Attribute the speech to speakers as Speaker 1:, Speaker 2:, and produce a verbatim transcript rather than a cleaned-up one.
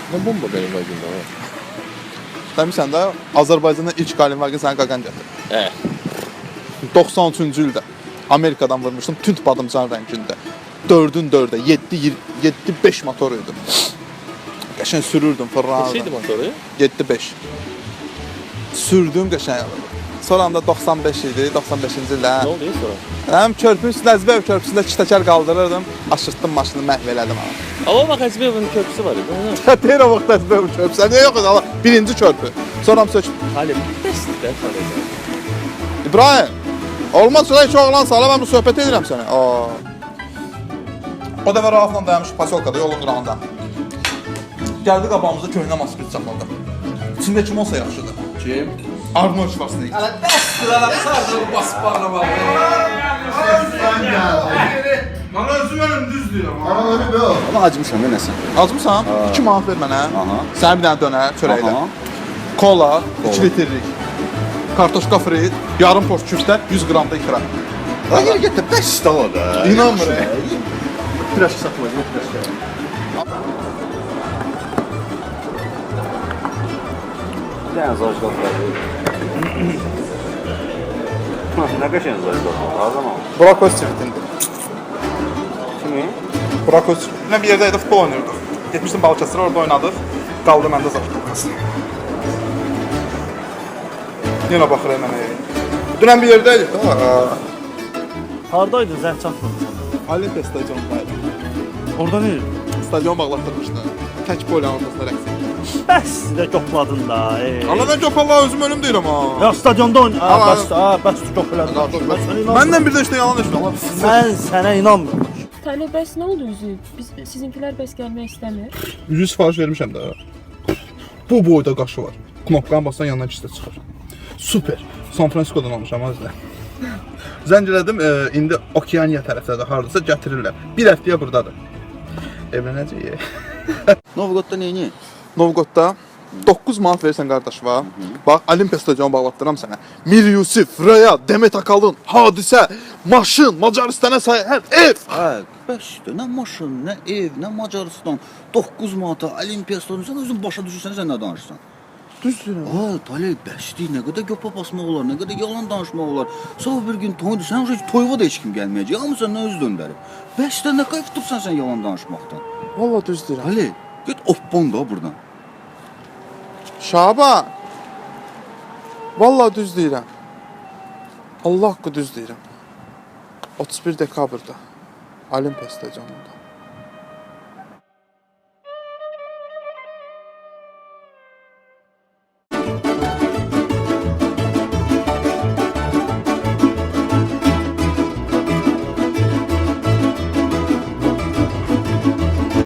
Speaker 1: Ne bomba benim vagimdə var?
Speaker 2: Demişsən də Azərbaycanda ilk qalin vaqin səni qaqan gətirdi.
Speaker 1: Hə.
Speaker 2: doxsan üçüncü ildə Amerikadan vurmuşdum tünd badımcan rəngində. dördün dördə, yeddi beş motor idi. Qəşəng sürürdüm fırlanırdım.
Speaker 1: Neçəydi motoru?
Speaker 2: yeddi beş. Sürdüm qəşəng. Sonra da doxsan beş idi, doxsan beşinci ildə.
Speaker 1: Ne oldu ya sonra?
Speaker 2: Həm körpünün üstündə Əzbəyev körpüsündə iki təkər qaldırırdım, aşırtdım maşını, məhv elədim ha.
Speaker 1: Ama bak Hacıbeyev'in köprüsü var idi.
Speaker 2: Çətəyir o vaxt Əzbəyev körpüsü. Niyə yox idi? Birinci körpü. Sonra mı sökdüm?
Speaker 1: Halim. Bəsdir sadece.
Speaker 2: İbrahim, olmaz şuraya iki oğlan sağla, mən bu söhbət edirəm sənə. Aa. O dəfə Raufla dayanmış pasolkada, yolun qırağında. Gəldi qabağımıza köhnə masküt saxladı. İçində kim olsa yaxşıdır?
Speaker 1: Kim?
Speaker 2: Arnold Schwarzenegger.
Speaker 3: Hələ dəstdir, hələ sardır bu basıb bağlama.
Speaker 4: Bana özüm ölüm düz deyirəm.
Speaker 3: Ama acımışam da nəsə.
Speaker 2: Acımısan? iki manat ver mənə.
Speaker 3: Aha.
Speaker 2: Sənə bir dənə dönər çörəklə.
Speaker 3: Aha.
Speaker 2: Kola, iki litrlik. Kartoşka frit, yarım post küftə, yüz qram da ikram.
Speaker 3: Ya yeri getir, dəstdir o da.
Speaker 2: İnanmıram.
Speaker 3: Piraşki satılacaq, piraşki. Bir dənə zajqal var. Nə qəşəng zajqal var, hardan aldın?
Speaker 2: Burak Özçivit'indir.
Speaker 3: Kimi?
Speaker 2: Burak Özçivit'le bir yerdeydi, futbol oynuyorduk. Gitmiştim Balıkesir'e, orada oynadık. Kaldı məndə zaten. Yine bakır hemen. Dünən bir yerdeydik.
Speaker 5: Hardaydın zəng çatmadı sana?
Speaker 2: Olimpiya stadionundaydı.
Speaker 5: Orada ne?
Speaker 2: Stadion bağlatdırmışdı. Tək polyanın ortasında rəqs edir.
Speaker 5: Bəs də qopladın da. Ey.
Speaker 2: Allah mən köp Allah özüm ölüm deyirəm ha.
Speaker 5: Ya stadionda oyn. Ha,
Speaker 2: Allah-
Speaker 5: bəs, ha, bəs qopladın. Mən sənə inanmıram.
Speaker 2: Məndən bir də işte yalan eşitdim. Allah
Speaker 5: Mən sənə inanmıram.
Speaker 6: Tale bəs nə oldu üzü? Biz sizinkiler bəs gəlmək istəmir.
Speaker 2: yüz sifariş vermişəm də. Bu boyda qaşı var. Knopkanı bassan yanından ikisi də çıxır. Super. San Francisco'dan almışam azda. Zəng elədim, e, indi Okeaniya tərəfdədir, hardasa gətirirlər. Bir həftəyə burdadır. Evlənəcəyik.
Speaker 3: Novqodda neyini?
Speaker 2: Novqodda doqquz manat versən qardaş var. Bax, Olimpiya stadionu bağlatdıram sənə. Mir Yusif, Raya, Demet Akalın, Hadisə, maşın, Macaristana sayər, ev.
Speaker 3: Hə, bəsdir. Nə maşın, nə ev, nə Macaristan. doqquz manata Olimpiya stadionu. Sən özün başa düşürsən, sən nə danışırsan?
Speaker 2: Düzdür.
Speaker 3: Ha, Talay bəsdir. Nə qədər göpə basmaq olar, nə qədər yalan danışmaq olar. Sabah bir gün toydur, sən o toyuğa da heç kim gəlməyəcək. Hamısı nə öz döndərib. Bəsdir, nə qayıf tutsan sən yalan danışmaqdan.
Speaker 2: Valla düzdür.
Speaker 3: Talay, get oppon da buradan.
Speaker 2: Şaban. Valla düz deyirəm. Allah haqqı düz deyirəm. otuz bir dekabrda Olimpiya stadionunda